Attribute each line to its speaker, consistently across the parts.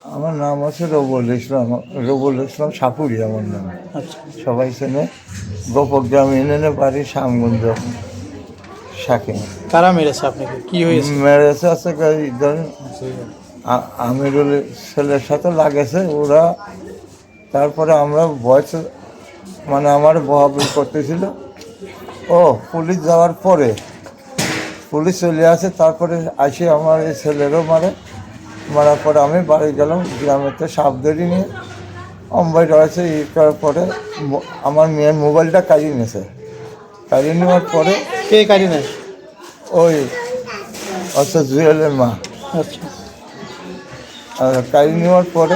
Speaker 1: আমার নাম হচ্ছে রবুল ইসলাম সাপুরি আমার নাম।
Speaker 2: আচ্ছা,
Speaker 1: সবাই চেনে। গোপগ্রাম ইউনিয়নে বাড়ি, শ্যামগঞ্জ শাকিং।
Speaker 2: কারা মেরেছে আপনাকে? কি হয়েছে?
Speaker 1: মেরেছে আছে ধরেন আমিরুল ছেলের সাথে লাগেছে ওরা। তারপরে আমরা ভয়েস মানে আমার বহাবি করতেছিল। ও পুলিশ যাওয়ার পরে পুলিশ চলে আসে, তারপরে আসে আমার এই ছেলেরও মারার পরে আমি বাড়ি গেলাম। গ্রামেতে সাপ ধরি নিয়ে অম্বাই রয়েছে ই করার পরে আমার মেয়ের মোবাইলটা কাড়িয়ে নিয়েছে। কাড়িয়ে নেওয়ার পরে
Speaker 2: কে কারি নেয়?
Speaker 1: ওই জুয়েলের মা।
Speaker 2: আচ্ছা,
Speaker 1: আর কাড়িয়ে নেওয়ার পরে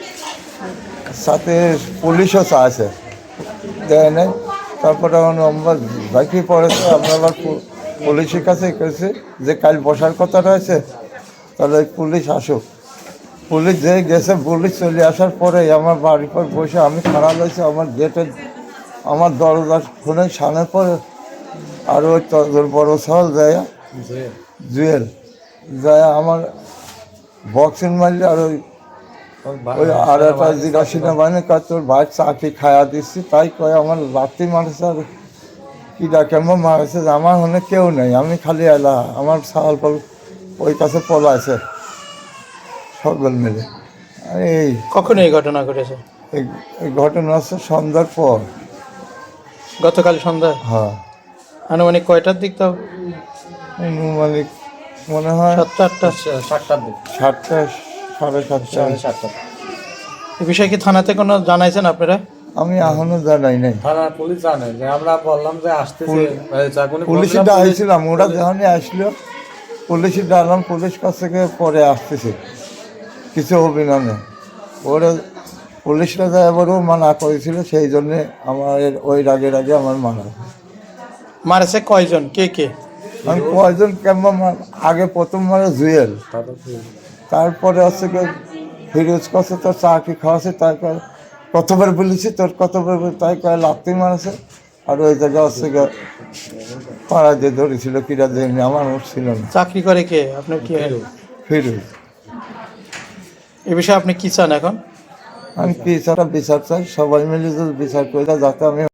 Speaker 1: সাথে পুলিশও আছে, দেয় নাই। তারপরে আমরা বাকি পড়েছে, আমরা আবার পুলিশের কাছে গেছি যে কাল বসার কথা রয়েছে, তাহলে পুলিশ আসুক। পুলিশ যে গেছে, পুলিশ চলে আসার পরে আমার বাড়ির পর বসে আমি খারাপ হয়েছে। আমার গেটে আমার দরজা খুলে সামনের পরে আর ওই তোর বড় সাল যায় জুয়েল যায় আমার বক্সিং মারলে। আর ওই আর একটা জিজ্ঞাসী না মানে তোর ভাই চাকরি খায়া দিচ্ছি তাই কয়ে আমার লাত্তি মারছে। আর কিডা কেমন মারছে আমার মনে কেউ নেই, আমি খালি এলা আমার ছাল পল ওই কাছে পলাইছে সকল মিলে। আর
Speaker 2: কখন এই ঘটনা ঘটেছে?
Speaker 1: এই ঘটনা হচ্ছে সন্ধ্যার পর।
Speaker 2: গতকাল সন্ধ্যায়?
Speaker 1: হ্যাঁ,
Speaker 2: আনুমানিক কয়টার দিক? তাও
Speaker 1: আনুমানিক মনে হয়
Speaker 2: 7টা 8টা?
Speaker 3: 7টার দিকে,
Speaker 1: 7টা, 7:30।
Speaker 3: 7:30।
Speaker 2: এই বিষয়ে কি থানাতে কোনো জানাইছেন আপনারা?
Speaker 1: আমি এখনো জানাই নাই।
Speaker 3: থানার পুলিশ জানে যে আমরা বললাম যে আসতেছে,
Speaker 1: পুলিশে ডাইছিলাম, ওরা যখনই আসলো পুলিশে ডাকলাম, পুলিশ কাছ থেকে পরে আসতেছে কিছু অভিনন্দে। ওরা পুলিশরা যা এবারও মানা করেছিল, সেই জন্যে আমার ওই রাগে আমার মানা।
Speaker 2: মারেছে কয়জন? কে কে?
Speaker 1: আমি কয়জন কেমন আগে প্রথম মারে জুয়েল, তারপরে হচ্ছে কি ফিরোজ কাছে তোর চাকরি খাওয়াছে, তাই কয় কতবার বলেছি তোর কতবার, তাই কয় লাত্তি মারেছে। আর ওই জায়গায় হচ্ছে গিয়ে পাড়া দিয়ে ধরেছিল কিরা দেয়নি, আমার ছিল না।
Speaker 2: চাকরি করে কে? আপনার কি হয়?
Speaker 1: ফিরোজ।
Speaker 2: এ বিষয়ে আপনি কি চান এখন?
Speaker 1: আমি কি ছাড়া বিচার চাই, সবাই মিলে যদি বিচার করে যাতে আমি